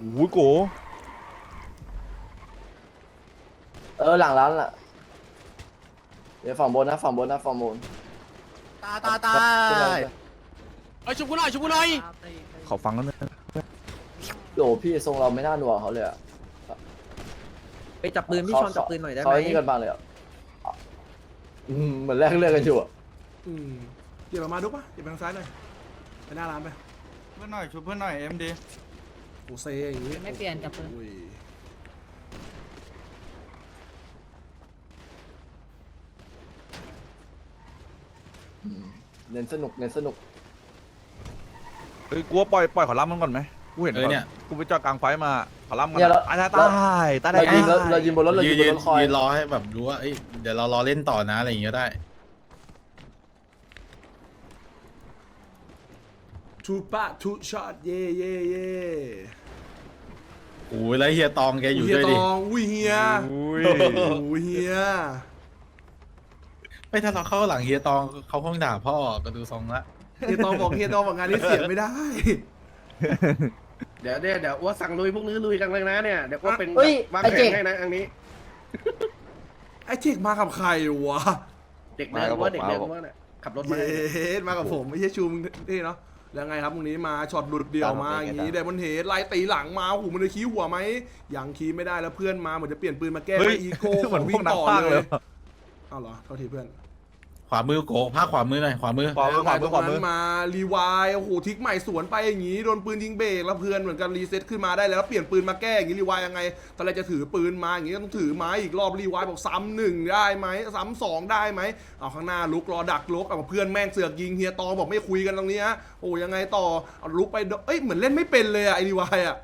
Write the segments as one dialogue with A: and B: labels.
A: โอ้ยโก
B: หลังร้านล่ะเดี๋ยวฝั่งบนนะฝั่งบน
C: ตาไอ้ชุบกูหน่อย
A: ขอฟังกันนะ
B: โหลพี่ทรงเราไม่น่าหนัวเขาเลยอะ
D: ไปจับปืนพี่ชอนจับปืนหน่อยได้ไหม
B: เขาไอ้นี่กันบ้างเลยอะเหมือนแลกเลือดกันอยู่อะ
E: เดี๋ยวมาดูป่ะเดี๋ยวไปทางซ้ายหน่อยไปหน้าร้านไป
F: เพื่อนหน่อยชุบเพื่อนหน่อยเอ็มดี
E: โอ้เซอย่างงี้
G: ไม่เปลี่ยนจับปืน
E: อุ้ย
B: เน้นสนุก
A: เฮ้ยกูว่าปล่อยขอรับมันก่อนไหมกูเห็นเนี่ยกูไปจอดกลางไฟมาขอรับมันตาย
B: เรายิงบนรถเรายิงบนรถคอย
F: ยืนรอให้แบบรู้ว่าเดี๋ยวเรารอเล่นต่อนะอะไรอย่างเงี้ยได้
E: ทูปะทูช็อตเย่
F: โอ้ยแล้วเฮียตองแกอยู่
E: เฮีย
F: ด้วย
E: ต
F: ดิ
E: องอุ้ยเฮีย
A: อุ้ย
E: โอ้ยเฮีย
F: ไม่ถ้าเราเข้าหลังเฮียตองเขาคงด่าพ่อก็ดูทรงละ
E: เฮียตองบอกงานนี้เสียไม่ได้
C: เดี๋ยวอ้วสั่งลุยพวกนี้ลุยกันเลยนะเนี่ยเดี๋ยวอ้วเป็นวางแผนให้นะอันนี้
E: ไอ้เจกมากับใครวะ
C: เด็กเดินว่าเนี่ยขับรถมา
E: เย็ดมากับผมไม่ใช่ชูมึงนี่เนาะแล้วไงครับตรงนี้มาช็อตหลุดเดี่ยวมาอย่างนี้ไดมอนเฮดไล่ตีหลังมาโอ้โหมันจะขี้หัวไหมยังขี้ไม่ได้แล้วเพื่อนมาเหมือนจะเปลี่ยนปืนมาแก้อีโก้ของวิ่งต่อเลยเอาเหรอโทษทีเพื่อน
F: ขวามือโกภาคขวามือหน่อยขวามือ
A: ขวามือ
E: ตรงนั้นมารีวายโอ้โหทิกใหม่สวนไปอย่างนี้โดนปืนยิงเบรกแล้วเพื่อนเหมือนกันรีเซ็ตขึ้นมาได้แล้วเปลี่ยนปืนมาแก้อย่างนี้รีวายยังไงตอนแรกจะถือปืนมาอย่างนี้ต้องถือไม้อีกรอบรีวายบอกซ้ำหนึ่งได้ไหมซ้ำสองได้ไหมเอาข้างหน้าลุกรอดักลุกเอาเพื่อนแม่งเสือกยิงเฮียตองบอกไม่คุยกันตรงนี้ฮะโอ้ยังไงต่อเอาลุกไปเหมือนเล่นไม่เป็นเลยอะไอรีวายอะ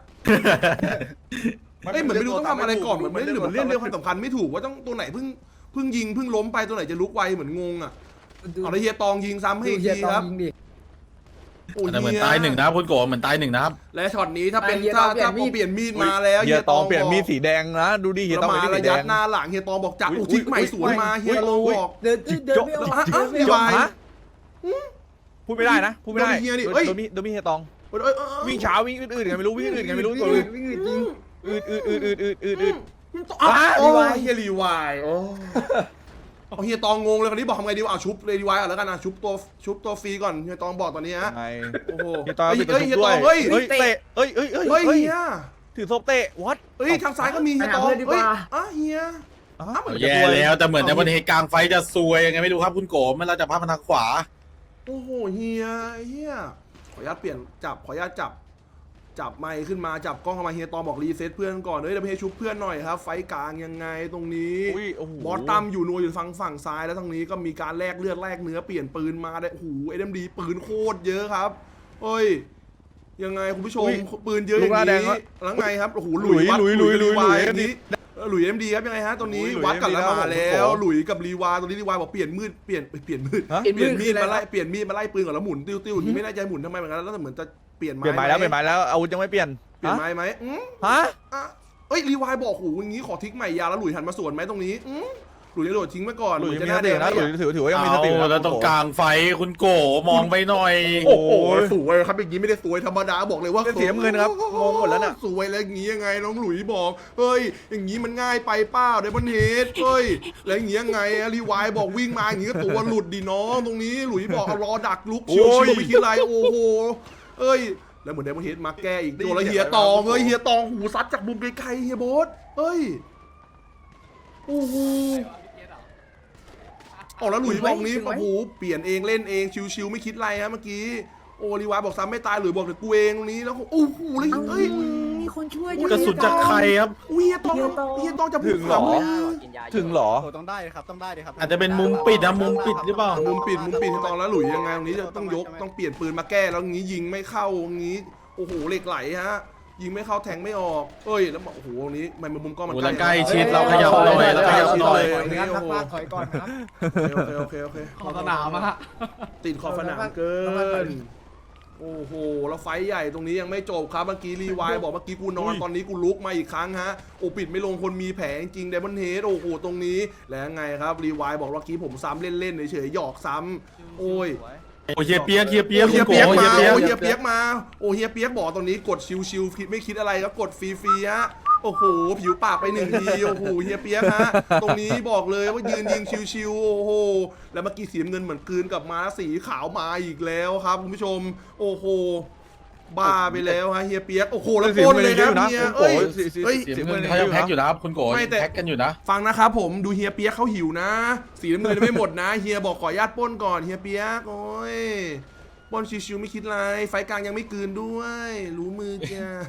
E: เหมือนไม่รู้ต้องทำอะไรก่อนเหมือนเล่นเรื่องความสำคัญไม่ถูกว่าต้องตัวไหนเพิ่งยิงเพิ่งล้มไปตัวไหนจะลุกไวเหมือนงงอะเอาแล้วเฮียตองยิงซ้ำให้อีกทีครับโอ้ย
F: แต่เหมือนตายหนึ่งนะคุณโกเหมือนตายหนึ่งนะครับ
E: และช็อตนี้ถ้าเปลี่ยนมีดมาแล้ว
A: เฮียตองเปลี่ยนมีดสีแดงนะดูดิเฮียตอง
E: มา
A: เป็นสี
E: ระ
A: แด
E: ยัด
A: ง
E: หน้าหลังเฮียตองบอกจับทิกใหม่สวนมาเฮียตองบอก
D: เดินไม่ออก
E: รีวาย
A: พูดไม่ได้นะพูดไม่ได้
E: เฮียดิ
A: โดนมีเฮียตองวิ่งเช้าวิ่งอื่นๆกันไม่รู้วิ่งอื่นๆกันไม่รู้
D: วิ่งจริง
A: อืด
E: โอ้ยเฮียรีวายโอ้เฮียตองงงเลยคนนี้บอกทำไงดีวะชุบเลยรีวายแล้วกันนะชุบตัวฟรีก่อนเฮียตองบอกตอนนี้ฮะ
A: ไง
E: โอ้โห
A: เฮียตอง
E: เฮียตองเฮ้ย
A: เตะเฮ้ย
E: เฮีย
A: ถือศพเตะวัด
E: เฮ้ยทางซ้ายก็มีเฮียตองเฮ้ยเฮีย
F: แย่แล้วแต่เหมือนในวันเหตุกลางไฟจะซวยยังไงไม่รู้ครับคุณโกมันเราจะพามันทางขวา
E: โอ้โหเฮียขออนุญาตเปลี่ยนขออนุญาตจับไมค์ขึ้นมาจับกล้องเข้ามาเฮียตองบอกรีเซ็ตเพื่อนก่อนเดี๋ยวให้ชุบเพื่อนหน่อยครับไฟกลางยังไงตรงนี้บอสตั้มอยู่นัวอยู่ฝั่งซ้ายแล้วทางนี้ก็มีการแลกเลือดแลกเนื้อเปลี่ยนปืนมาได้โอ้โหSMDปืนโคตรเยอะครับเฮ้ยยังไงคุณผู้ชมปืนเยอะอย่างนี้แล้วไงครับโอ้โหหลุยนี้หลุยSMDครับยังไงฮะตรงนี้วัดกันแล้วมาแล้วหลุยกับรีวาตรงนี้รีวาบอกเปลี่ยนมีดมาไล่ปืนก่อนแล้วหมุนติ้วไม่แน่ใจหมุนทำไมเหมือนกันแล้วเหมือนจะเปลี่ยนไม้
A: แล้วอาวุธยังไม่เปลี่ยน
E: ไม้ไหม
A: ฮะ
E: เอ้ยรีวายบอกโหอย่างนี้ขอทิ้งใหม่ยาแล้วหลุยหันมาสวนไหมตรงนี้หลุยจะโดดทิ้งไว้ก่อน
A: หลุยจะหน้าเด็กนะหลุยถือว่ายังมีสติ
F: แล้วตรงกลางไฟคุณโกมองไปหน่อย
E: โอ้โหสวยครับอย่างนี้ไม่ได้สวยธรรมดาบอกเลยว่า
A: เสียเงินครับงงหมดแล้วน่ะ
E: สวยแล้วอย่างนี้ยังไงน้องหลุยบอกเฮ้ยอย่างนี้มันง่ายไปเป้าเดมอนเฮดเฮ้ยแล้วอย่างนี้ยังไงรีวายบอกวิ่งมาอย่างนี้ก็ตัวหลุดดิน้องตรงนี้หลุยบอกเอารอดักลุกชิวไม่คิดอะไรโอ้โหเอ้ยแล้วเหมือนไดมอนเฮดมาแก้อีกตัวแล้วเฮียตองเฮียตองหูซัดจากมุมไกลๆเฮียโบ๊ทเฮ้ยโอ้โหแล้วหลุยบอกนี้โอ้โหเปลี่ยนเองเล่นเองชิวๆไม่คิดอะไรฮะเมื่อกี้โอรีวายบอกซ้ำไม่ตายหลุยบอกเดี๋ยวกูเองตรงนี้แล้วโอ้โหเลยเฮ้ย
D: มีคนช่วย
F: กระสุนจากใครครับ
E: เฮียตองจะถึงหรอ
A: ถึงหรอ
C: ต้องได้ครับ
F: อาจจะเป็นมุมปิดนะมุมปิดหรือเปล่า
E: มุมปิดให้ตองแล้วหลุยยังไงตรงนี้จะต้องยกต้องเปลี่ยนปืนมาแก้แล้วงี้ยิงไม่เข้างี้โอ้โหเหล็กไหลฮะยิงไม่เข้าแทงไม่ออกเอ้ยแล้วโอ้โหตรงนี้มันมุมกล้องมัน
F: ใกล้ชิดเราขยับหน่อยเราขยับหน่อย
C: ถอยก่อนครับ
E: โอเค
C: ขอสนามอะ
E: ติดขอบสนามเกินโอ้โหแล้วไฟใหญ่ตรงนี้ยังไม่จบครับเมื่อกี้รีวายบอกเมื่อกี้กูนอนตอนนี้กูลุกมาอีกครั้งฮะโอ้ปิดไม่ลงคนมีแผลจริงเดมอนเฮดโอ้โหตรงนี้แล้วไงครับรีวายบอกเมื่อกี้ผมซ้ำเล่นๆเฉยๆหยอกซ้ำโอ้ย
F: โอ้เฮียเปียกเฮียเปียก
E: โอ้เฮียเปียก
F: คุณ
E: มา
F: โก
E: โอ้เฮียเปียกมาโอ้เฮียเปียกบอกตรงนี้กดชิวๆคิดไม่คิดอะไรครับกดฟรีๆฮะโอ้โหผิวปากไป1 ทีโอ้โหเฮียเปียกฮะตรงนี้บอกเลยว่ายืนยิงชิวๆโอ้โหแล้วเมื่อกี้สีน้ำเงินเหมือนกลืนกับม้าสีขาวมาอีกแล้วครับคุณผู้ชมโอ้โหบ้าไปแล้วฮะเฮียเปียกโอ้โหแล้วก้นเลยครับเฮียเอ้ยเฮ้ย
F: เสียเงินเขายังแพ็กอยู่นะครับคุณโกแพ็กกันอยู่นะ
E: ฟังนะครับผมดูเฮียเปียกเขาหิวนะ สีน้ำเงินไม่หมดนะเฮียบอกขออนุญาตปล้นก่อนเฮียเปียกโอ้ยปล้นชิวๆไม่คิดอะไรไฟกลางยังไม่กลืนด้วย รู้มือจ้า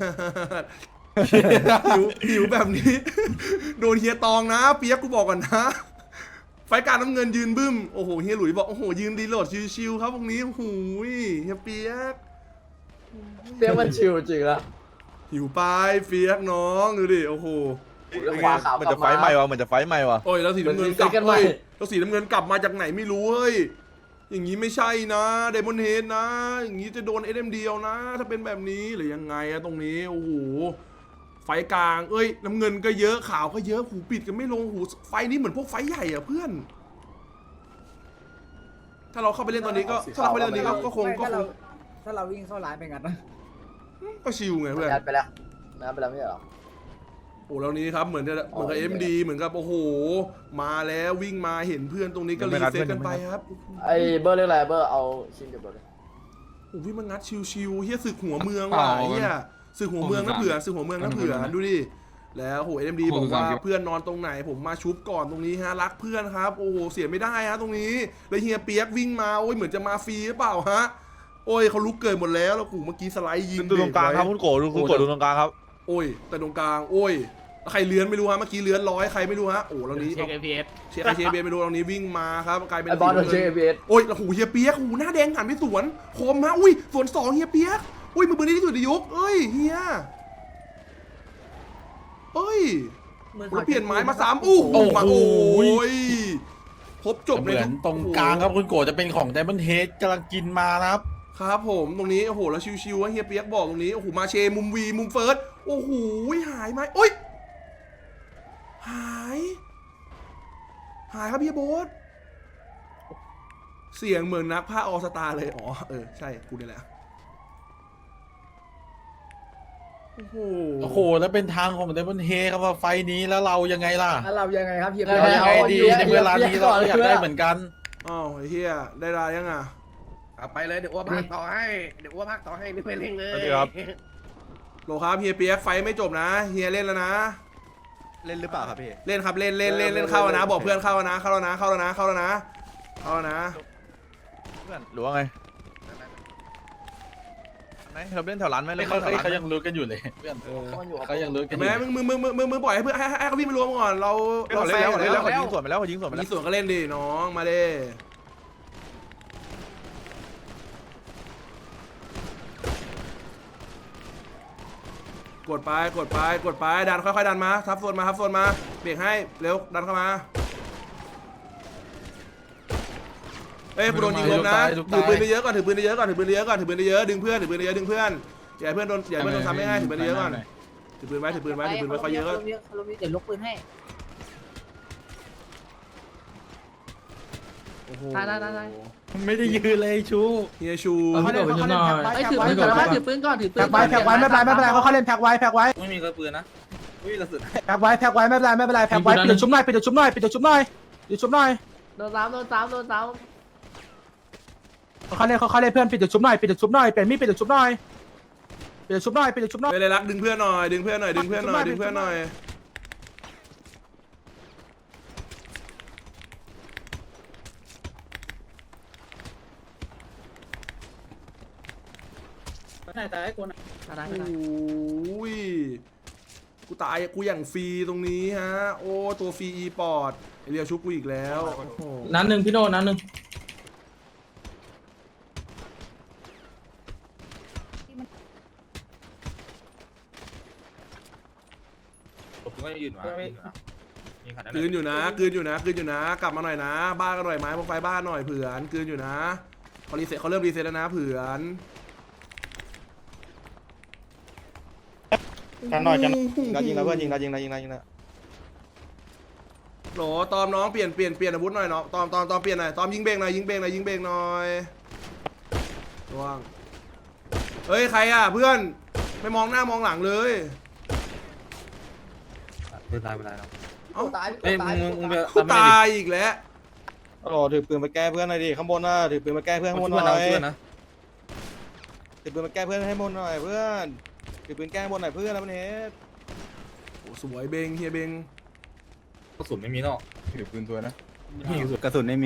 E: หิวแบบนี้ โดนเฮียตองนะเปียกกูบอกก่อนนะ ไฟกลางน้ำเงินยืนบึ้มโอ้โหเฮียหลุยบอกโอ้โหยืนดีโหลดชิวๆครับตรงนี้โอ้โหเฮียเปียก
B: เปียกมันชิวจริงละ
E: หิวไปเปียกน้องดูดิโอ้โห
B: ขวาขาว
A: มัน
B: กลั
A: จะ
B: บ
A: ไฟ
B: มา
A: ใหม่วะมันจะไฟใหม่วะ
E: โอ้ยแล้วสีน้ำเงินกลับ
B: มันรีเซ็ตกันใหม่
E: เฮ้ยแล้วสีน้ำเงินกลับมาจากไหนไม่รู้เฮ้ยอย่างนี้ไม่ใช่นะเดมอนเฮดนะอย่างนี้จะโดน SMD เอานะ ถ้าเป็นแบบนี้หรือยังไงอะตรงนี้โอ้โหไฟกลางเอ้ยน้ำเงินก็เยอะขาวก็เยอะหูปิดกันไม่ลงหูไฟนี้เหมือนพวกไฟใหญ่อะเพื่อน ถ้าเราเข้าไปเล่นตอนนี้ก็ถ้าเราเข้าไปเล่นตอนนี้ก็คง
D: ถ้าเราวิ่งเข้าร้านไปงั้นนะ
E: ก็ชิลไงเพื่อน
B: นัดไปแล้วนัดไปแล้วไม่ใช่เหรอ
E: โอ้แล้วนี้ครับเหมือนกับ MD เหมือนกับโอ้โหมาแล้ววิ่งมาเห็นเพื่อนตรงนี้ก็รีเซ็ตกันไปครับ
B: ไอ้เบอร์เรียกอะไรเบอร์เอาชิงเก็บรถเลย
E: โอ้พี่มันงัดชิวๆเฮียศึกหัวเมืองว่ะเฮียศึกหัวเมืองนะเผื่อศึกหัวเมืองนะเผื่อดูดิแล้วโห SMD บอกว่าเพื่อนนอนตรงไหนผมมาชุบก่อนตรงนี้ฮะรักเพื่อนครับโอ้โหเสียไม่ได้ฮะตรงนี้แล้วเฮียเปียกวิ่งมาโอ้ยเหมือนจะมาฟรีหรือเปล่าฮะโอ้ยเขาลุกเกินหมดแล้วแล้วกูเมื่อกี้สไลด์ยิง
A: ดูตรงกลางครับคุณโกดูคุณโกดูตรงกลางครับ
E: โอ้ยแต่ตรงกลางโอ้ยใครเลื้อนไม่รู้ฮะเมื่อกี้เลื้อนใครไม่รู้ฮะโอ้แล้วนี้เช็ค APS เช็ค APS ไม่รู้ตรงนี้วิ่งมาครับกลายเป็น
B: ไอ้บอลโดนเช็ค APS
E: โอ้ยแล้วหูเฮียเปียกหูหน้าแดงหันไปสวนคมฮะอุ้ยสวน2เฮียเปียกอุ้ยมือปืนที่สุดในยุคเอ้ยเฮียเอ้ยแล้วเปลี่ยนไม้มา3อู้หูมาโอ้ยครบจบ
F: เห
E: เลย
F: มือนตรงกลางครับคุณโกจะเป็นของไดมอนด์เฮดกำลังกินมานะครับ
E: ครับผมตรงนี้โอ้โหแล้วชิวๆฮะเฮียเปียกบอกตรงนี้โอ้โหมาเชมุมวีมุมเฟิร์สโอ้โหหายไหมโอ้ยหายครับพี่โบ๊ทเสียงเหมือนนักผ้าออสตาเลยอ๋อใช่กูนี่แหละโอ้โห
F: โอ้โหแล้วเป็นทางของไดมอนด์เฮดครับว่าไฟนี้แล้วเรายังไงล่ะ
D: แล้วเรายังไงครับเฮีย
F: เรายังไงดีในเวลานี้เราอยากได้เหมือนกัน
E: อ้าวไอ้เฮียได้รายยังอ่ะ
C: เอาไปเลยเดี๋ยวอ้วพักต่อให้นี่ไปเล่นเลย
A: สวัสดีครับ
E: โหลครับเฮียเปียกไฟไม่จบนะเฮียเล่นแล้วนะ
A: เล่นหรือเปล่าครับพี่
E: เล่นครับเล่นเข้าแล้วนะบอกเพื่อนเข้าแล้วนะเข้าแล้วนะเพื่อน
A: หรือว่าไงไหนเราเล่นแถวร้านไหม
F: ไม่
A: เล่น
F: เขา
A: แถวร้าน
F: เขายังรู้กันอยู่เลยเพื่อนเขายังรู้กันอยู่
E: แม่มึงปล่อยให้เพื่อนให้เขาวิ่งมารวมก่อนเรา
A: เรา
E: แฟ
A: เล่น
E: ร์
A: แล้ว
E: ก่อน
A: เขายิงสวนไปแล้วเขายิงสวนไป
E: มี
A: แล้ว
E: ส่วนก็เล่นดิน้องมาดิกดไปดันค่อยๆดันมาทับโซนมาเบรกให้เร็วดันเข้ามาเอ้ยกูโดนยิงลมนะถือปืนเยอะก่อนดึงเพื่อนอย่าให้เพื่อนโดนซ้ำไม่ให้ถือปืนเยอะก่อนถือปืนไว้เขาเยอะ
D: เดี๋ยวลกปืนให้
E: โอ้โห
D: ได้
F: ไม่ได้ยืนเลยชู
E: เฮียชู
D: เขาเล่นไอ้ถือปืนก่อนถือปืนก่อนถือปืน
G: แพ็กไว้ไม่เป็นไรเขาเล่นแพ็กไว้
F: ไม่มีกระปืนนะอุ้ยละสุด
G: แพ็กไว้ไม่เป็นไรแพ็กไว้ปิดชุบหน่อย
D: โดนซ้ำ
G: เขาเล่นเพื่อนปิดชุบหน่อยเปลี่ยนมีดปิดชุบหน่อย
E: เวลารักดึงเพื่อนหน่อย
D: ได้
E: โอ้ยกูตายกูอย่างฟรีตรงนี้ฮะโอ้ตัวฟรีอีปอดเรียวชุบกูอีกแล้วโอ้โห
G: นั้นหนึ่งพี่โน่นั้นหนึ่ง
E: คืนอยู่นะกลับมาหน่อยนะบ้านกันหน่อยไหมพวกไฟบ้านหน่อยเผื่อนคืนอยู่นะเขาเริ่มรีเซ็ตแล้วนะเผื่อน
H: กันหน่อยยิงแล้วเพื่อนยิงแล้ว
E: โหลตอมน้องเปลี่ยนอาวุธหน่อยเนาะตอมเปลี่ยนหน่อยตอมยิงเบรกหน่อยระวังเฮ้ยใครอ่ะเพื่อนไม่มองหน้ามองหลังเลย
H: เพื่อนตายไม่ได้แล้ว
E: เอ้า
B: ตาย
H: เอ้ย
B: ตาย
H: มึงไป
E: กูตายอีกแล้ว
H: โอ้ถือปืนมาแก้เพื่อนหน่อยดิข้างบนน่ะถือปืนมาแก้เพื่อนข้างบนหน่อยถือปืนมาแก้เพื่อนให้บนหน่อยเพื่อนถือปืนแก้บนหน่อยเพื่อนแล้วมันเฮ็ด
E: โอ้สวยเบงเฮียเบง
F: กระสุนไม่มีเนาะ
A: ถือปืนตัวนะ
H: กระสุนไม่มี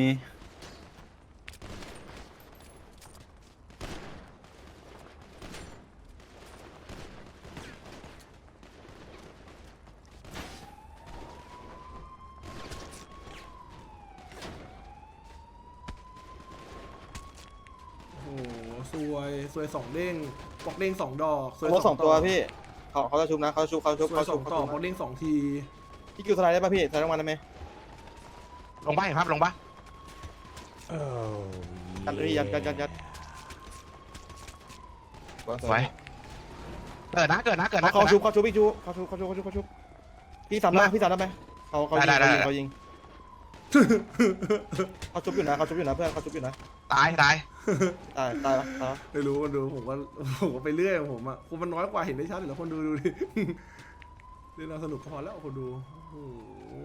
E: โอ้สวยสองเด้งปอกเด้ง2 ดอกสวย
H: รถ2 ตัวพี่เขาจะชุบนะเขาชุบ
E: สวย2 ต่อปอกเด้ง2 ที
H: พี่คิวสไลด์ได้ป่ะพี่สไลด์ลงมาได้ไหม
G: ลงบ้านครับลงบ้าน
H: ยัดพี่ยัด
G: ไว้เกิดนะ
H: เขาชุบพี่ชุบเขาชุบพี่สามได้ไหมเขายิงเขายิงเขาชุบอยู่นะเพื่อนเขาชุบอยู่นะ
G: ตาย
H: ตายปะ
E: ไม่รู้มันดูผมก็ไปเรื่อยของผมอ่ะคนมันน้อยกว่าเห็นได้ชัดอยู่แล้วคนดูดิเล่นเราสนุกพอแล้วคนดูโอ้โห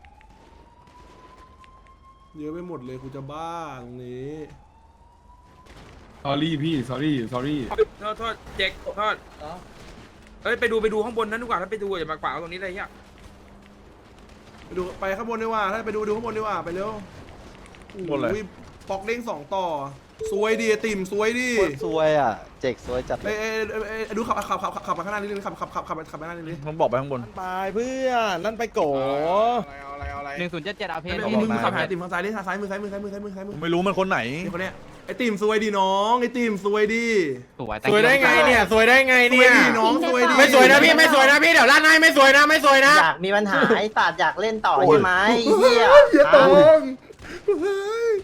E: เยอะไปหมดเลยกูจะบ้าตรงนี้
I: สอรี่พี่ sorry
D: โทษเจ๊กโทษเฮ้ยไปดูข้างบนนั้นดีกว่าถ้าไปดูอย่ามากวางตรงนี้เลยเนี่ย
E: ไปข้างบนดีกว่าถ้าไปดูข้างบนดีกว่าไปเร็ว
A: บนเลย
E: อุ้ยปอกเด้ง2 ต่อสวยดีติ่มสวยดี
H: สวยอ่ะเจ๊กสวยจัด
E: เอ้ดูขับมาข้างหน้านิดนึงขับมาข้างหน้านิดนึง
A: มันบอกไปข้างบน
H: ไปเพื่อนนั่นไปโก
D: 1077เอาเพลง
E: มึงขับหาติ่มทางซ้ายดิทางซ้ายมือ
A: ไม่รู้มันคนไหน
E: นี่คนเนี้ยไอติ่มสวยดีน้องไอติ่มสวยดี
F: สวยได้ไงเนี่ยสวยได้ไง
E: สวย
F: เนี่ย
E: ดีน้องสวยดี
F: ไม่สวยนะพี่ไม่สวยนะพี่เดี๋ยวลั่นให้ไม่สวยนะ
B: อยากมีปัญหาไอ้สัตว์อยากเล่นต่อใช่ไหมไอ้เหี้ย
E: อย่าตองเฮ้ย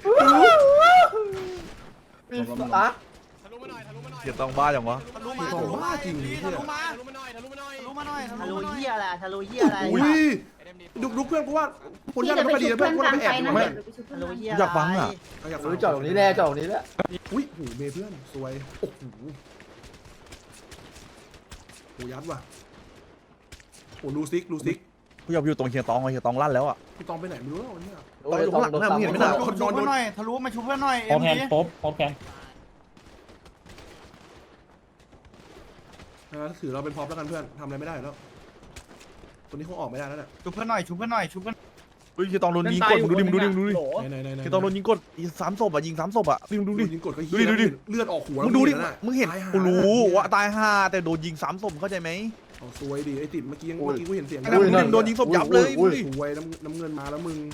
B: อะ
A: เกียรต้องบ้าอย่างวะ
E: ของบ้าจริงเนี่ย
B: ทะลุเหี้ยอะไรทะลุเหี้ยอะไร
E: อุ้ยดุเพื่อนกูว่าคนยากไม่ค่อยดีนะเพื่อนกูไปแอบดูเพื่อน
B: ทะลุเหี้ย
A: อยากฟังอ่ะ
E: อยากฟัง
B: จอดตรงนี้แน่จอดตรงนี้แหละ
E: อุ้ยหูเมย์เพื่อนสวยโอ้โหโหยัดว่ะโหดูซิก
A: กูอยากอยู่ตรงเฮียตองเฮียตองลั่นแล้วอ่ะ
E: พี่ตองไปไหนไม่รู้แล้ววันนี้
B: โอ้ยต้องโดนซ้ำ
A: ไม่ได้
E: คนนอนโดน
H: ทะลุมาชุบเพื่อนหน่อย
I: พอแพนพบแพน
E: ถือเราเป็นพร็อพแล้วกันเพื่อนทำอะไรไม่ได้แล้วตัวนี้คงออกไม่ได้แล้วแหละ
H: ชุบเพื่อนหน่อย
A: เฮ้ยเฮียตองโดนยิงกดมึงดูดิ
E: ไหน
A: เฮียตองโดนยิงกด3 ศพอ่ะยิง3 ศพอ่ะดูดิ
E: ยิงกดก็
A: ดูดิ
E: เลือดออกหัว
A: มึงดูดิ
E: แล้ว
A: มึงเห็นกูรู้ว่าตาย5แต่โดนยิง3 ศพเข้าใจไหม
E: สวยดิไอติดเมื่อกี้กูเห็นเสียง
A: โดนยิงศพยับเลยมึงดิ
E: สวยน้ำเงินมาแล้วมึง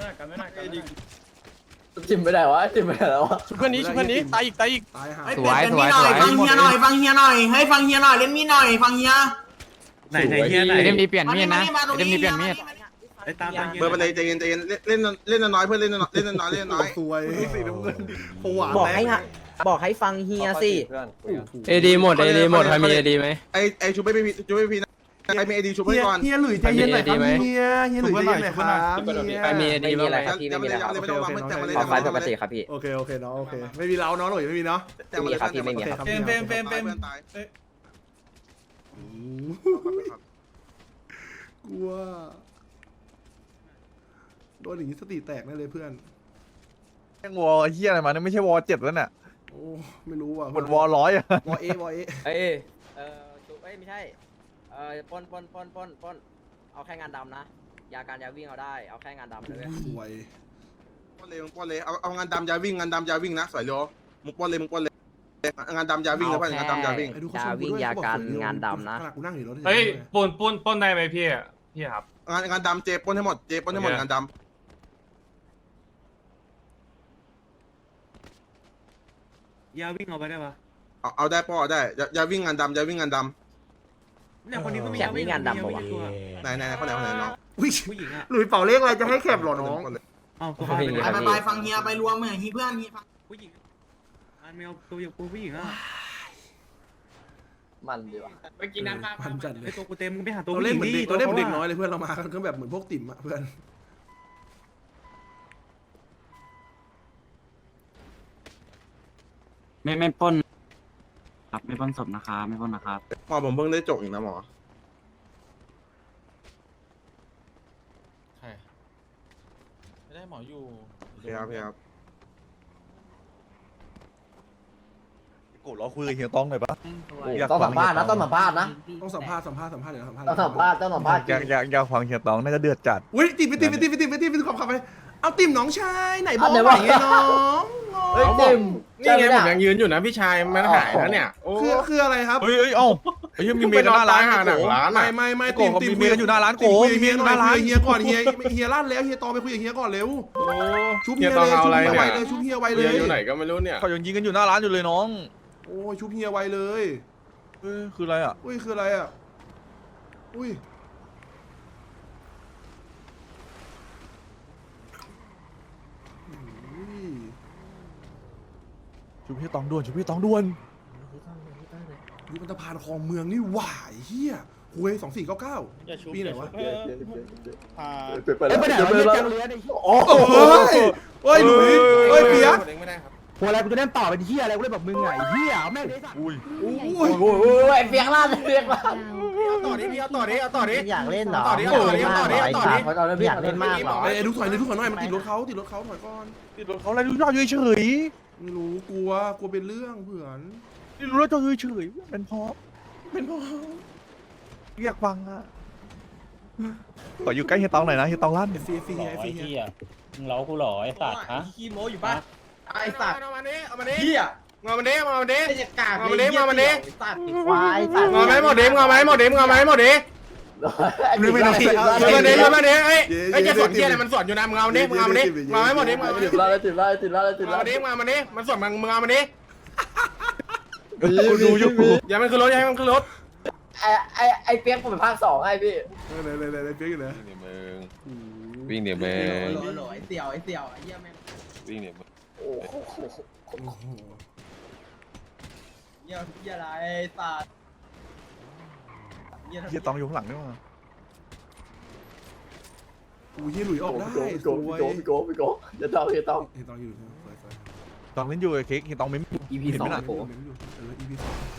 B: จิ้มไปไหนวะจิ้มไปไหนแล้ววะ
E: ชุบเพื่อนนี้ตายอีกตายหา
D: สวยฟังเฮียหน่อยให้ฟังเฮียหน่อยเล่นมีดหน่อยฟังเฮีย
F: ไหนเฮียไหน
D: เล่นมีเปลี่ยนมีดนะเล่นมีเปลี่ยนมีด
C: เบอร์ไปเลยใจเย็นเล่นน้อยเพื่อนเล่นน้อย
E: สวยสีน้ำเงินผวา
D: บอกให้ฟังเฮียสิ
B: เอดีหมดใครมีเอดีไหม
C: ไอชูไม่พีนะไอมีไอดีชูให้ก่อน
E: เฮียหลุยใจเย็นหน่อยครับเฮียหลุยใจเย็นหน่อยครับ
B: ใครมีเอดีบ้างไหมครับพี่
C: แต่
B: ไม่มีแล้ว
C: ไม่ต้องวางแต่มาเลย
B: ขอไฟปกติครับพี่
E: โอเคน้องโอเคไม่มีเราน้องหลุยไม่มีเนาะ
C: แต่มาเลย
E: กลัวโดนอย่างนี้สติแตกแน่เลยเพื่อน
A: แม่งวอเฮียอะไรมาเนี่ยไม่ใช่วอ7แล้วเนี่ย
E: โอ้ไม่รู้อ่ะ
A: หมดวอ100อ่ะ
E: วอเอ
B: เอ้ยจุ๊บไม่ใช่ปนเอาแค่งานดำนะยาการยาวิ่งเอาได้เอาแค่งานดำเลย
E: สวย
C: ป้อนเลยเอางานดำยาวิ่งนะสวยโยมุกป้อนเลยงานดำยาวิ่งนะเพื่อนงานดำยาวิ่ง
B: ยาวิ่งยาการงานดำนะ
E: ขนาดกูนั่งอยู่รถ
I: เฮ้ยปนได้ไหมพี่ครับ
C: งานดำเจป้อนให้หมดงานดำ
F: ยาวิ่งเอาไปได้ปะ
C: เอาได้ป้อได้ยาวิ่งงานดำ
F: เนี่ยคนนี้ก็มี
B: แข่งวิ่งงานดำป่าวะ
C: ไหนคนไหนน้อง
F: ผู้หญิงอ่ะ
E: หลุยเป่าเลขอะไรจะให้แคบหรอน้อง
F: เอาตัว
D: ไปฟังเฮียไปรวมเหมือนเพื่อน
F: ผู้หญิงอันไม่เอาตัวอย่างผู้หญิงอ่ะ
B: มันดีว่ะ
D: ไปกินน้ำข้าว
E: พันจัดเล
F: ไอย ตัวกูเต็มมึงไปหาตัว
E: เรา
F: ผู้ห
E: เล่น
F: ญิง
E: เหมือน
F: ดิ
E: เด็กเราเล่นเหมือนเด็กน้อยเลยเพื่อนเรามาก็แบบเหมือนพวกติ่มอ่ะเพื่อน
I: ไม่ปล้นครับไม่ปล้นศพนะครับไม่ปล้นนะครับ
C: หมอผมเพิ่งได้จกอีกนะหมอ
F: ใช่ไม่ได้หมออยู่
C: พี่ครับ
A: กูรอคุยกับเฮียต้องหน่อยปะ
B: ต้องสัมภาษณ์นะต้องสัมภาษณ์นะ
E: ต้องสัมภาษณ์เดี๋ยวสัมภาษณ์
B: ต้องสัมภาษณ์ต้องสัมภาษณ์
A: อยากฟังเฮียต้องน่าจะเดือดจัด
E: อุ้ยติดไปขับไปเอาติ่มน้องชายไหนบอกไหนไงน้อง
B: เฮ้ยจิม
H: นี่ไงผมยังยืนอยู่นะพี่ชายมันหายแล้วเนี่ยโอ้
E: คืออะไรครับ
A: เฮ้ยเอ้าไอ้เฮียมีเมียกันหน้าร้าน
H: หาหนังร้าน
E: ไม่
A: โกเขามีเมียกันอยู่หน้าร้านโก
E: คุย
A: มีเมีย
E: เฮีย
A: กัน
E: ห
A: ห
E: น่อ
A: น้าย ร้าน
E: เฮียก่อนเฮียลั่นแล้วเฮียตอไปคุยกับเฮียก่อนเร็ว
H: โอ้
E: ชุบเฮียเลยชุบเฮียไวเลยชุบเฮียไวเล
H: เฮีย
E: ย
H: อยู่ไหนก็ไม่รู้เนี่ย
A: เขายังยิงกันอยู่หน้าร้านอยู่เลยน้อง
E: โอ้ยชุบเฮียไวเลย
A: คืออะไรอ่ะ
E: อุ้ยคืออะไรอ่ะอุ้ย
A: ชุบพี่ตองด่วนชุบพี่ตองด่วน
E: ยุบสะพานคลองเมืองนี่หว่าเฮียหวย2499ปีไหนวะ
G: ไปไหนวะเฮียจังเลยไอ้เหี้ย
E: โอ้ยหลุยเฮ้ยเปียก
H: ไม่ได้ครับ
G: หัวอะไรกูจะเล่นต่อเป็นเฮียอะไรกูเล่นแบบมึงไงเฮียเอาแม่งเลยสัตว์
A: อุ้ย
E: อุ้ย
B: โอ้ยเปียกล้านเปียกล้าน
H: ต่อดิพี่เอาต่อดิเอาต่อดิ
B: อยากเล่นเหรอ
H: ต่อดิต่อดิ
B: อยากเล่นมากเหรอ
E: ไอ้ดูถอยหน่อยมันติดรถเขาถอยก่อน
A: ติดรถเขาอะไรดูยอดเฉย
E: ไม่รู้กลัวเป็นเรื่องเผื่อน
A: ๆนี่รู้แล้วจอเฉยๆเป็นเพราะอยากฟังอ่ะขออยู่ใกล้เฮียตองหน่อยนะเฮียตองลั่น
E: เฟียเฮีย
I: มึงเล้ากูหรอไอ้สัตว์ฮะ
B: ขี้โม้อยู่ป่ะไอ้สัตว์
H: เอามาดิเอามาดิ
B: เหี้ย
H: งอมาดิงอมาดิ
B: ไอ้จะกาก
H: งอมาดิงอมาดิ
B: สัตว์ควายสัตว์
H: งอไหมหมดดิงอไหมหมดดิงอไหมหมดดิ
B: ไม่ได้
H: งอมาดิงอมาดิเอ้ยไอ้จะสวนเกียร์อะไรมันสวนอยู่นะมึงเอามาดิมึงเอามาดิงอไหมหมดดิงอมาดิ
B: ติดแล้วติดแล้วติดแล้วติด
H: ง
B: แล้
H: อ
B: ว
H: มาดิงอมาดิมันสวนมึงเอามาดิ
A: กูดูอยู่
H: อย่ามันขึ้นรถอย่ามันขึ้นรถ
B: ไอ้เปียกผมเป็นภาค2ให้พี่
E: เลยเปียกอยู่นะ
J: วิ่งเดี๋ยวมึง
B: ไอ้เสี่ยวไอ้เหี้ยแม่ง
J: วิ่งเดี๋ยวมึง
B: โอ้โหเหี้ยอะไรสัตว์
A: เฮียตองอยู่ข้างหลังนี่มั้ง
E: อู้เฮียหลุยออกได้สวย
B: พี่โกจะต้อง
E: ตองอยู่สวย
A: ตองเล่นอยู่ไอ้เค้กเฮียตองไม่
B: EP
A: เห็นไหม
B: 2
A: น่ะ
B: โผ
E: EP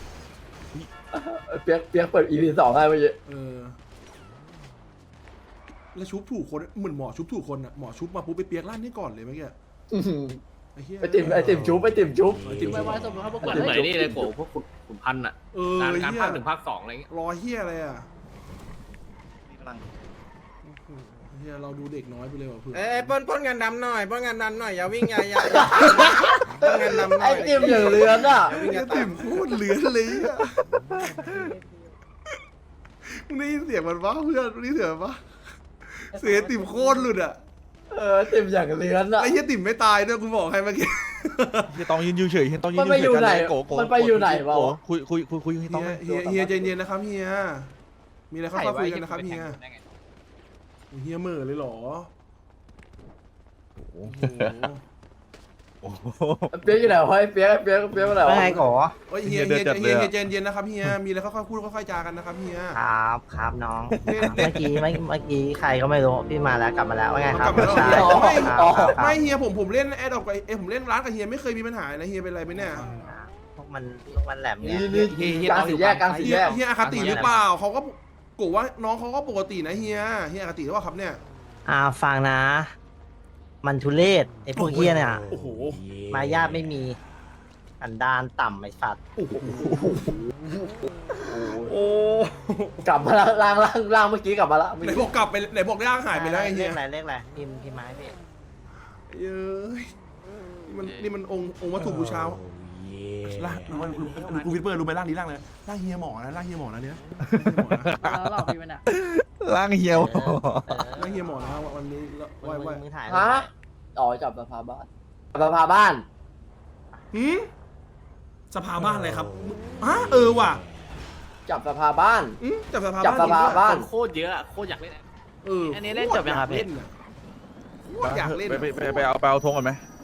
B: เปียกเปิด EP 2ให้เมื่อกี้
E: แล้วชุบถูกคนเหมือนหมอชุบถูกคนอ่ะหมอชุบมาปุ๊บไปเปียกลั่นให้ก่อนเลยเมื่อกี้ไอ้ติ่มชุบ
B: ไม่ว่า
E: สมมติ
B: เปิดไหนนี่เลยโกพวกขุนพันอ่ะ
E: การภาค1ภาค2อะไรเงี้ยรอเฮียอะไรอ่ะเฮียเราดูเด็กน้อยไปเลยว่ะเพื่อน
H: เอ้ยป้นงานดำหน่อยป้นงานดำหน่อยอย่าวิ่งอย่าป้นงานดำหน่
B: ไอ้
H: อย
B: ติมอย่างเรือนอ่ะ
E: ไอ้ติ่มโคตรเหลือเลยอ่ะมึงได้ยินเสียงมันปะเพื่อนมึงได้ยินเสียงมันปะเสียงติ่มโคตรหลุดอ่ะ
B: ติมอย่างเรือนอ่ะ
E: ไอ้เฮียติ่มไม่ตายด้วยกูบอกให้เมื่อกี้
A: เฮียตองยืนอยู่เฉยเฮียตองยืน
B: มันไปอยู่ไหน มันไปอยู่ไหนวะ
A: คุยเฮียตอง
E: เฮียใจเย็นนะครับเฮียมีอะไรค่อยๆคุยกันนะครับเฮียเฮียเหม่อเลยเหรอโอ้โห
B: เปียกอยู่ไหนวะเปียกอยู่ไหนวะไงก่อ
E: เฮ้ยเฮียใจเย็นนะครับเฮียมีอะไรค่อยๆพูดค่อยๆจากันนะครับเฮีย
B: ครับน้องเมื่อกี้ใครก็ไม่รู้พี่มาแล้วกลับมาแล้วว่าไงครับ
E: กลับมาแล้วไม่เฮียผมเล่นแอดออกไปผมเล่นร้านกับเฮียไม่เคยมีปัญหานะเฮียเป็นไรไหมเนี่ย
B: พวกมันแหลมเนี่ยกลางสี่แยก
E: เฮียอคติหรือเปล่าเขาก็กว่าน้องเขาก็ปกตินะเฮียอคติหรือเปล่าครับเนี่ย
B: ฟังนะ มันทุเรศไอ้พวกเฮียเนี่ย
E: โอ้โห
B: มารยาทไม่มีอันดานต่ำไอ้สัตว์
E: โอ้
B: กลับมาแล้วล่างเมื่อกี้กลับมาแล้ว
E: ไหนบอกกลับไปไหนบอกร่างหายไปแล้วไอ้เฮีย
B: เลขอะไรพิมพ์ไม้พี่
E: เย้ยนี่มันองค์วัตถุบูชาร่างกูวิดเปอร์รู้ไหมร่างนี้ร่างเลยร่างเฮียหมอนะร่างเฮียหมอนะเนี่ย
B: หลอกพี่มันอ่ะ
A: ร่างเฮียว
E: ร่างเฮียหมอนะวันนี้ไหว
B: มึงถ่ายฮะอ๋อจับสภาบ้าน
E: หืมสภาบ้านอะไรครับว่ะ
B: จับสภาบ้าน
E: จับสภา
B: จับสภาบ้าน
I: โคตรเยอะโคตรอยากเล่น
E: อันนี้เล่นจบยังครับเล่นโคตรอยากเล่น
A: ไปเอาธงก่อนไหม